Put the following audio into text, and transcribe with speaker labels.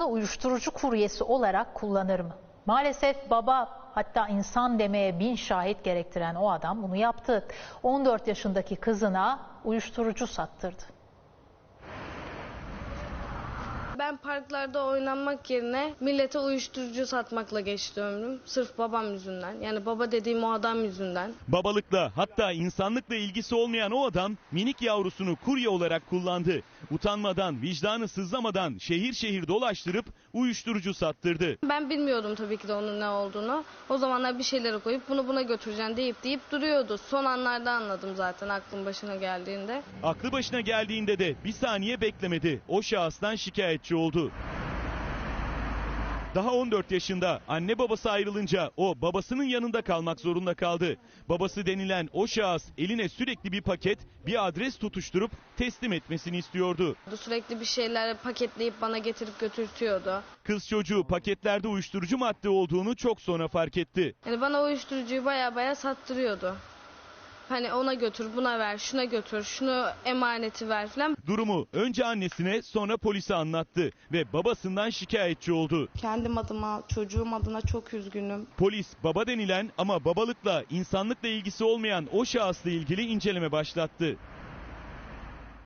Speaker 1: uyuşturucu kuryesi olarak kullanır mı? Maalesef baba, hatta insan demeye 1000 şahit gerektiren o adam bunu yaptı. 14 yaşındaki kızına uyuşturucu sattırdı.
Speaker 2: Ben parklarda oynanmak yerine millete uyuşturucu satmakla geçti ömrüm. Sırf babam yüzünden. Yani baba dediğim o adam yüzünden.
Speaker 3: Babalıkla, hatta insanlıkla ilgisi olmayan o adam minik yavrusunu kurye olarak kullandı. Utanmadan, vicdanı sızlamadan şehir şehir dolaştırıp uyuşturucu sattırdı.
Speaker 2: Ben bilmiyordum tabii ki de onun ne olduğunu. O zamanlar bir şeylere koyup bunu buna götüreceğim deyip duruyordu. Son anlarda anladım zaten aklım başına geldiğinde.
Speaker 3: Aklı başına geldiğinde de bir saniye beklemedi. O şahıstan şikayetçi oldu. Daha 14 yaşında anne babası ayrılınca o babasının yanında kalmak zorunda kaldı. Babası denilen o şahıs eline sürekli bir paket, bir adres tutuşturup teslim etmesini istiyordu.
Speaker 2: Sürekli bir şeyler paketleyip bana getirip götürtüyordu.
Speaker 3: Kız çocuğu paketlerde uyuşturucu madde olduğunu çok sonra fark etti.
Speaker 2: Yani bana uyuşturucuyu baya sattırıyordu. Hani ona götür, buna ver, şuna götür, şunu emaneti ver falan.
Speaker 3: Durumu önce annesine, sonra polise anlattı ve babasından şikayetçi oldu.
Speaker 2: Kendim adıma, çocuğum adına çok üzgünüm.
Speaker 3: Polis baba denilen ama babalıkla, insanlıkla ilgisi olmayan o şahısla ilgili inceleme başlattı.